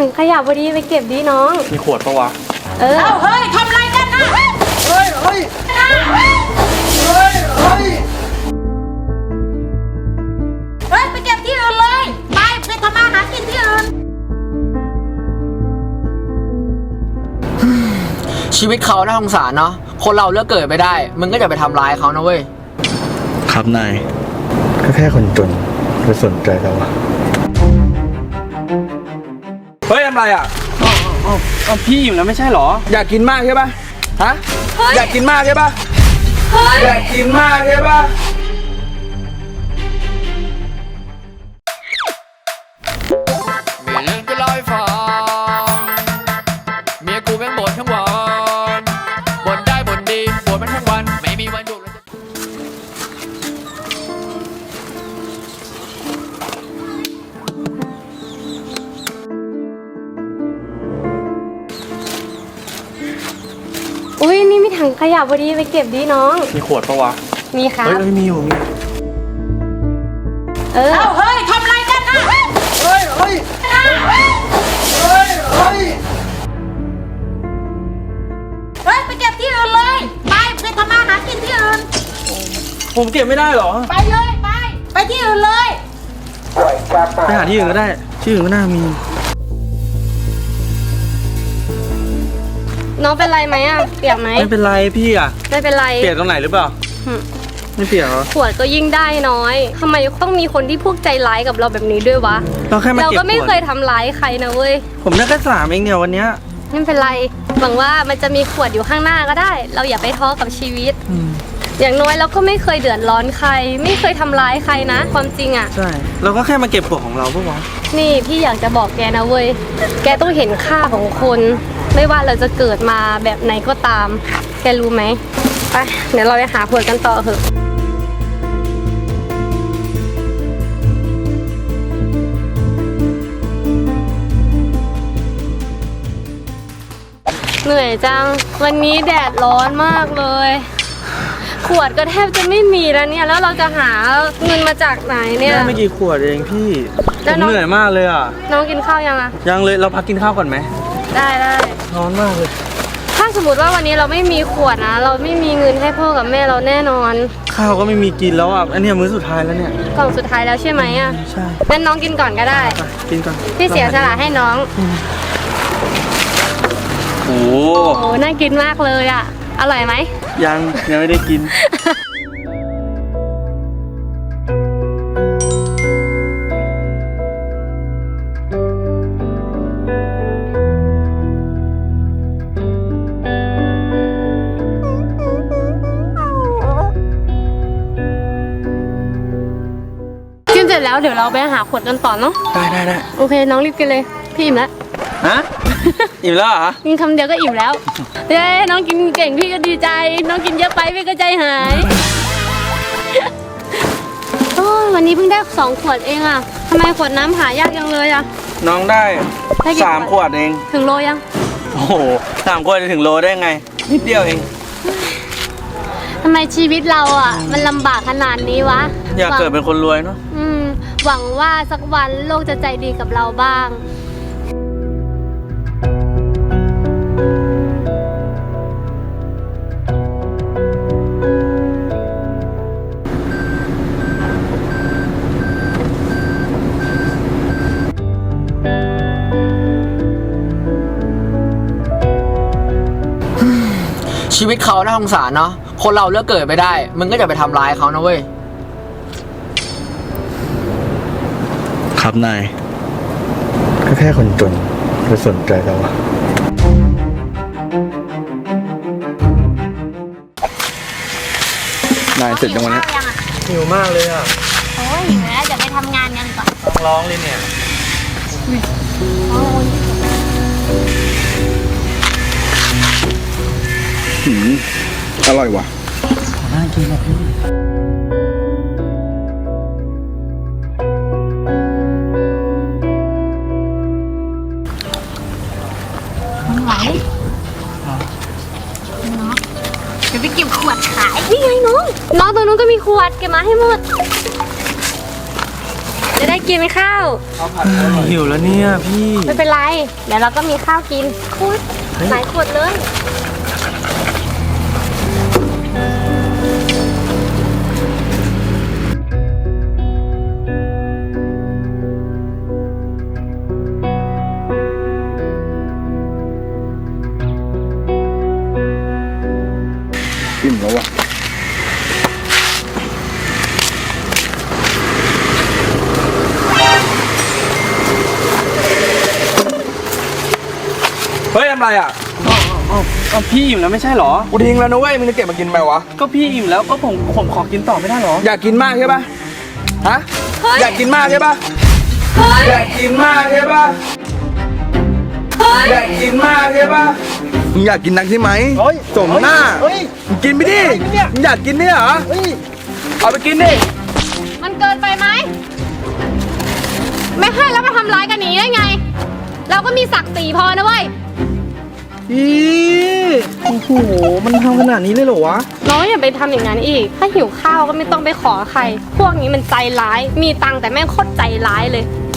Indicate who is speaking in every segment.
Speaker 1: ถังขยะพอดีไปเก็บดีน้อง
Speaker 2: มีขวดปะวะ
Speaker 1: เฮ้ยทำไรกันนะ
Speaker 3: เฮ้ยเฮ้ย
Speaker 1: ไปเก็บที่อื่นเลยไปทำมาหากินที่อื่น
Speaker 4: ชีวิตเขาน่าสงสารเนาะคนเราเลือกเกิดไม่ได้มึงก็จะไปทำร้ายเขานะเว้ย
Speaker 2: ครับนาย
Speaker 3: ก็แค่คนจนไปสนใจเราอะ
Speaker 2: เฮ้ยทำไรอ่ะเอาพี่อยู่แล้วไม่ใช่หรออยากกินมากใช่ปะฮะอยากกินมากใช่ปะอยากกินมากใช่ปะ
Speaker 4: มีเรื่องจะเล่าให้ฟังเมียกูแม่งบ่นทั้งวันบ่นได้บ่นดีบ่นมันทั้งวันไม่มีวันหยุดเลย
Speaker 1: อุ้ยนี่มีถังขยะพอดีไปเก็บดีน้อง
Speaker 2: มีขวดปะวะ
Speaker 1: มีครับ
Speaker 2: เฮ้ยมีอยู่มี
Speaker 1: เฮ้ยทำไรกันนะ
Speaker 3: เฮ้ย
Speaker 1: ไปเก็บที่อื่นเลยไปทำมาหากินที่อื่น
Speaker 2: ผมเก็บไม่ได้หรอ
Speaker 1: ไปเลยไปที่อื่นเลย
Speaker 2: ไปหาที่อื่นก็ได้ที่อื่นก็น่ามี
Speaker 1: น้องเป็นไรไหมอ่ะเปียกไหม
Speaker 2: ไม่เป็นไรพี่อ่ะ
Speaker 1: ไม่เป็นไร
Speaker 2: เปียกตรงไหนหรือเปล่าไม่เปียกเหรอ
Speaker 1: ขวดก็ยิ่งได้น้อยทำไมต้องมีคนที่พวกใจร้ายกับเราแบบนี้ด้วยวะเราก็ไม่เคยทำร้ายใครนะเว้ย
Speaker 2: ผมได้แค่3เองเนี่ยวันเนี้ย
Speaker 1: ไม่เป็นไรหวังว่ามันจะมีขวดอยู่ข้างหน้าก็ได้เราอย่าไปท้อกับชีวิตอย่างน้อยเราก็ไม่เคยเดือดร้อนใครไม่เคยทำร้ายใครนะความจริงอ่ะ
Speaker 2: ใช่เราก็แค่มาเก็บขวดของเราพวกวะ
Speaker 1: นี่พี่อยากจะบอกแกนะเว้ยแกต้องเห็นค่าของคนไม่ว่าเราจะเกิดมาแบบไหนก็ตามแกรู้ไหมไปเดี๋ยวเราไปหาขวดกันต่อเถอะเหนื่อยจังวันนี้แดดร้อนมากเลยขวดก็แทบจะไม่มีแล้วเนี่ยแล้วเราจะหาเงินมาจากไหนเนี่ย
Speaker 2: ไม่กี่ขวดเองพี่ผมเหนื่อยมากเลยอ่ะ
Speaker 1: น้องกินข้าวยังอ่ะ
Speaker 2: ยังเลยเราพักกินข้าวก่อนไหม
Speaker 1: ได้
Speaker 2: ร้อนมากเลย
Speaker 1: ถ้าสมมติว่าวันนี้เราไม่มีขวดนะเราไม่มีเงินให้พ่อกับแม่เราแน่นอน
Speaker 2: ข้าวก็ไม่มีกินแล้วอ่ะอันนี้มื้อสุดท้ายแล้วเนี่ย
Speaker 1: กล่องสุดท้ายแล้วใช่ไหมอ่ะ
Speaker 2: ใช่
Speaker 1: งั้นน้องกินก่อนก็ได้
Speaker 2: กินก่อน
Speaker 1: พี่เสียสละให้น้อง
Speaker 2: โอ้
Speaker 1: น่ากินมากเลยอ่ะอร่อยไหม
Speaker 2: ยังไม่ได้กิน
Speaker 1: กินเสร็จแล้วเดี๋ยวเราไปหาขวดกันต่อเนาะ
Speaker 2: ได้
Speaker 1: โอเคน้องรีบกินเลยพี่อิ่มแล้ว
Speaker 2: ฮะอิ่มแล้วเหรอ
Speaker 1: กินคำเดียวก็อิ่มแล้วเย้น้องกินเก่งพี่ก็ดีใจน้องกินเยอะไปพี่ก็ใจหายโอ้ยวันนี้เพิ่งได้2 ขวดเองอ่ะทำไมขวดน้ำหายากจังเลยอ่ะ
Speaker 2: น้องได้3 ขวดเอง
Speaker 1: ถึงโลยัง
Speaker 2: โอ้โห3 ขวดจะถึงโลได้ไงนิดเดียวเอง
Speaker 1: ทำไมชีวิตเราอ่ะมันลำบากขนาดนี้วะ
Speaker 2: อยากเกิดเป็นคนรวยเนาะ
Speaker 1: หวังว่าสักวันโลกจะใจดีกับเราบ้าง
Speaker 4: ชีวิตเขาน่าสงสารเนาะคนเราเลือกเกิดไม่ได้มึงก็จะไปทำร้ายเขานะเว้ย
Speaker 2: ครับนาย
Speaker 3: ก็แค่คนจนไปสนใจเราอะนายเสร็จยังวันนี้หิวมากเลยอ่ะ
Speaker 1: โอ้ยหิวแล้วเดี๋ยวไปทำงานกันก่อน
Speaker 2: ร้องเลยเนี่ยอร่อยว่ะน่ากินนะพี่
Speaker 1: เดี๋ยวไปเก็บขวดขายนี่ไงน้องตรงนู้นก็มีขวดเก็บมาให้หมดจะได้กินข้าว
Speaker 2: ข้าวผัดอร่อย
Speaker 3: หิวแล้วเนี่ยพี่
Speaker 1: ไม่เป็นไร เดี๋ยวเราก็มีข้าวกินคุณหลายขวดเลย
Speaker 3: อิ่มแล้วอ่ะ
Speaker 2: เฮ้ยทำไรอ่ะ
Speaker 5: เอาพี่อิ่มแล้วไม่ใช่เหรอ
Speaker 2: กูทิ้งแล้วนะเว้ยมึงจะเก็บมากินไหมวะ
Speaker 5: ก็พี่อิ่มแล้วก็ผมขอกินต่อไม่ได้เหรอ
Speaker 2: อยากกินมากใช่ปะฮะ
Speaker 1: เฮ้ย
Speaker 2: อยากกินมากใช่ปะ
Speaker 1: เฮ้ย
Speaker 2: อยากกินมากใช่ปะ
Speaker 1: เฮ้ย
Speaker 2: อยากกินมากใช่ปะมึงอยากกินนักใช่ไหม
Speaker 5: เฮ้ย
Speaker 2: สมหน้า
Speaker 5: เฮ้ย
Speaker 2: มึงกินไปดิ
Speaker 5: อะไรเนี่ย
Speaker 2: มึงอยากกินเนี่ยเหรอ
Speaker 5: เฮ้ย
Speaker 2: เอาไปกินดิ
Speaker 1: มันเกินไปไหม ไม่ให้แล้วมาทำร้ายกันอย่างนี้ได้ไง เราก็มีศักดิ์ศรีพอนะเว้ย
Speaker 5: พี่โอ้โห มันทำขนาดนี้เลยเหรอวะ
Speaker 1: น้องอย่าไปทำอย่างนั้นอีก ถ้าหิวข้าวก็ไม่ต้องไปขอใคร พวกนี้มันใจร้าย มีตังค์แต่แม่งโคตรใจร้ายเลย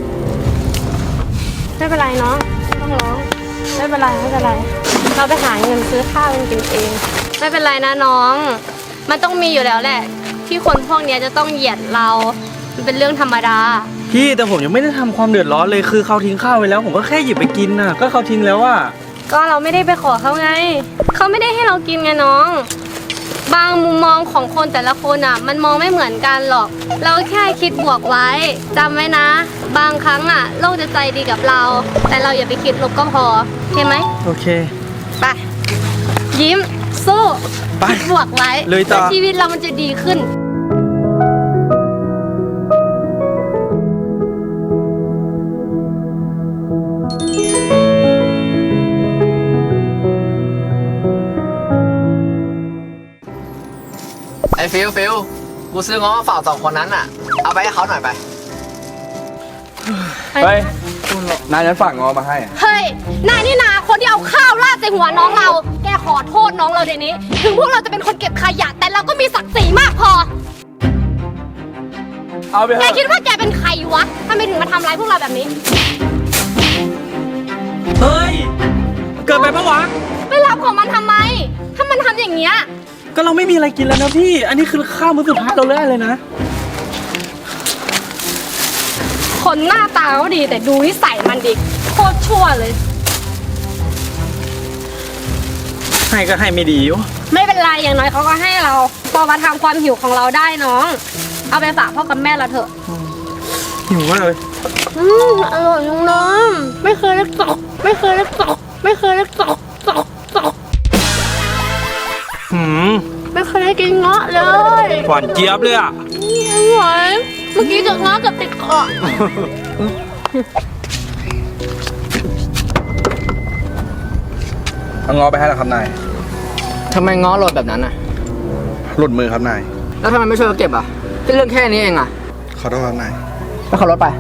Speaker 1: ไม่เป็นไรน้องไม่ต้องร้อง ไม่เป็นไรไม่เป็นไร เราไปหาเงินซื้อข้าวกันกินเอง ไม่เป็นไรนะน้อง มันต้องมีอยู่แล้วแหละ ที่คนพวกเนี้ยจะต้องเหยียดเรา มันเป็นเรื่องธรรมดา
Speaker 5: พี่แต่ผมยังไม่ได้ทำความเดือดร้อนเลยคือเขาทิ้งข้าวไว้แล้ว ผมก็แค่หยิบไปกินน่ะ ก็เขาทิ้งแล้วอ่ะ
Speaker 1: ก็เราไม่ได้ไปขอเขาไง เขาไม่ได้ให้เรากินไงน้อง บางมุมมองของคนแต่ละคนอ่ะ มันมองไม่เหมือนกันหรอก เราแค่คิดบวกไว้จำไว้นะ บางครั้งอ่ะ โลกจะใจดีกับเรา แต่เราอย่าไปคิดลบก็พอโอเคไหม
Speaker 5: โอเค
Speaker 1: ไป ยิ้ม สู้
Speaker 5: ไป
Speaker 1: คิดบวกไว้
Speaker 5: เลยต่อ
Speaker 1: แล้วชีวิตเรามันจะดีขึ้น
Speaker 4: ไอ้ฟิลกูซื้อง้อมาฝากสองคนนั้นอ่ะ เอาไปให้เขาหน่อยไป
Speaker 2: เฮ้ยนายฉันฝากงอมาให้อะ
Speaker 1: เฮ้ย นายนี่นาคนที่เอาข้าวราดใส่หัวน้องเรา แกขอโทษน้องเราเดี๋ยวนี้ ถึงพวกเราจะเป็นคนเก็บขยะ แต่เราก็มีศักดิ์ศรีมากพอ
Speaker 2: เอาไปเถ
Speaker 1: แก
Speaker 2: อะ
Speaker 1: คิดว่าแกเป็นใครวะทำไมถึงมาทำร้ายพวกเราแบบนี้
Speaker 5: เฮ้ย เกิดไปปะวะ
Speaker 1: ไปรับของมันทำไม ถ้ามันทำอย่างเงี้ย
Speaker 5: ก็เราไม่มีอะไรกินแล้วนะพี่ อันนี้คือข้าวมื้อสุดท้ายเราเลยนะ
Speaker 1: คนหน้าตาก็ดีแต่ดูนิสัยมันดิโคตรชั่วเลย
Speaker 5: ให้ก็ให้ไม่ดีวะ
Speaker 1: ไม่เป็นไรอย่างน้อยเขาก็ให้เราพอมาทำความหิวของเราได้น้อง เอาไปฝากพ่อกับแม่เราเถอะ
Speaker 5: หิวมากเลย
Speaker 1: อร่อยจังน้องไม่เคยได้ตกไม่เคยได้ตกไม่เคยได้ตก
Speaker 5: หืม
Speaker 1: ไม่เคยได้กินเงาะเลย
Speaker 5: หวานเจี๊ยบเลยอ่ะ
Speaker 1: อร่อยเมื่อกี้เจอเงาะกับติดเกาะ
Speaker 2: เอางอไปให้แล้วครับนาย
Speaker 4: ทำไมง้อโหลดแบบนั้นอ่ะ
Speaker 2: หลุดมือครับนาย
Speaker 4: แล้วทำไมไม่ช่วยเขาเก็บอ่ะแค่เรื่องแค่นี้เองอ่ะ
Speaker 2: ขอโทษครับนาย
Speaker 4: แล้วขับรถไป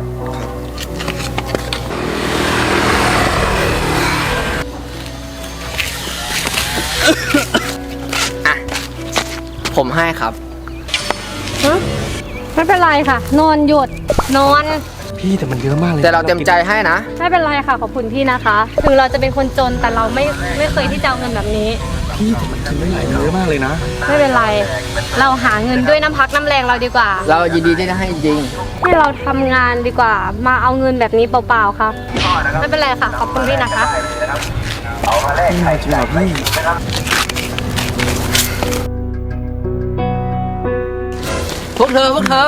Speaker 4: อ่ะ ผมให้ครับ
Speaker 1: ไม่เป็นไรค่ะ นอนหยุดนอน
Speaker 5: พี่แต่มันเยอะมากเลย
Speaker 4: แต่เราเต็มใจให้นะ
Speaker 1: ไม่เป็นไรค่ะขอบคุณพี่นะคะ ถึงเราจะเป็นคนจนแต่เราไม่เคยที่จะเอาเงินแบบนี้
Speaker 5: พี่แต่มันกินไม่ไหลเยอะมากเลยนะ
Speaker 1: ไม่เป็นไร เราหาเงินด้วยน้ำพักน้ำแรงเราดีกว่า
Speaker 4: เรายินดีที่จะให้จริง
Speaker 1: ให้เราทำงานดีกว่า มาเอาเงินแบบนี้เปล่าๆค่ะ ไม่เป็นไรค่ะ ขอบคุณพี่นะคะ
Speaker 5: จริงเหรอพี่
Speaker 4: พวกเธอ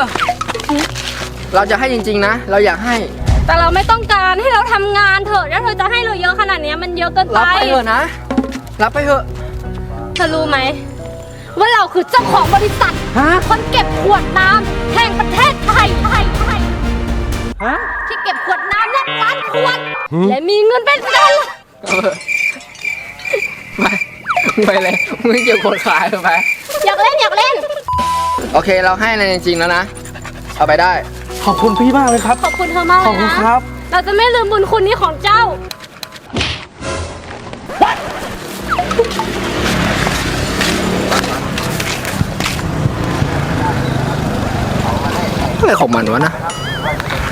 Speaker 4: เราจะให้จริงๆนะ เราอยากให้
Speaker 1: แต่เราไม่ต้องการให้เราทำงานเถอะถ้าเธอจะให้เราเยอะขนาดนี้มันเยอะเกินไป
Speaker 4: รับไปเถอะนะ รับไปเถอะ
Speaker 1: เธอรู้ไหมว่าเราคือเจ้าของบริษัท
Speaker 5: ฮะ
Speaker 1: คนเก็บขวดน้ำแห่งประเทศไทย
Speaker 5: ฮะ
Speaker 1: ที่เก็บขวดน้ำนับล้านขวด และมีเงินเป็นพัน
Speaker 4: ไปเลยมึงเกี่ยวคนขายไป
Speaker 1: อยากเล่น
Speaker 4: โอเค เราให้ในจริงๆแล้วนะ เอาไปได้
Speaker 5: ขอบคุณพี่มากเลยครับ
Speaker 1: ขอบคุณเธอมากเล
Speaker 5: ขอบ
Speaker 1: ย
Speaker 5: คุณ
Speaker 1: นะครับ เราจะไม่ลืมบุญคุณนี้ของเจ้า
Speaker 4: อะไรของมันวะนะ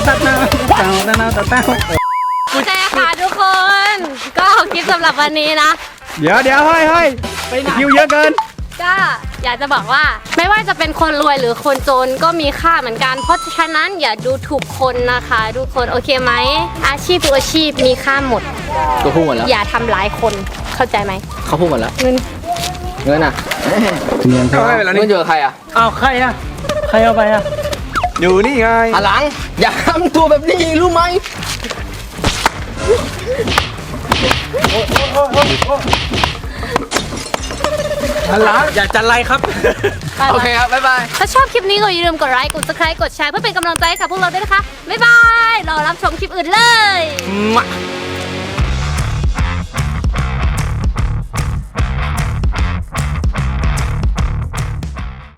Speaker 5: ตัดหน้าเต้าเต้าเต้าเต้า
Speaker 1: โอเคค่ะทุกคน ก็คลิปสำหรับวันนี้นะ
Speaker 3: เดี๋ยวเฮ้ยคิวเยอะเกิน
Speaker 1: ก็อยากจะบอกว่าไม่ว่าจะเป็นคนรวยหรือคนจนก็มีค่าเหมือนกัน เพราะฉะนั้นอย่าดูถูกคนนะคะทุกคนโอเคไหมอาชีพทุกอาชีพมีค่าหมด
Speaker 4: ก็พูดหมดแล้ว
Speaker 1: อย่าทำร้ายคนเข้าใจไหม
Speaker 4: เขาพูดหมดแล้ว
Speaker 1: เงิน
Speaker 4: เงินอ่ะ
Speaker 2: เขาให้ไปแล้ว
Speaker 4: เงิ
Speaker 2: นี่
Speaker 4: นอยู่กับใครอ่ะ
Speaker 5: เอาใครอะใครเอาไปอะ
Speaker 3: อยู่นี่ไง
Speaker 4: หันหลัง อย่าทำตัวแบบนี้รู้ไหม
Speaker 2: ฮัลโหล
Speaker 5: อยากจะไล่ครับ
Speaker 4: โอเคครับ บ๊ายบาย
Speaker 1: ถ้าชอบคลิปนี้ก็อย่าลืมกดไลค์กด subscribe กดแชร์เพื่อเป็นกำลังใจให้กับพวกเราด้วยนะคะบ๊ายบาย รอรับชมคลิปอื่นเลย
Speaker 5: มา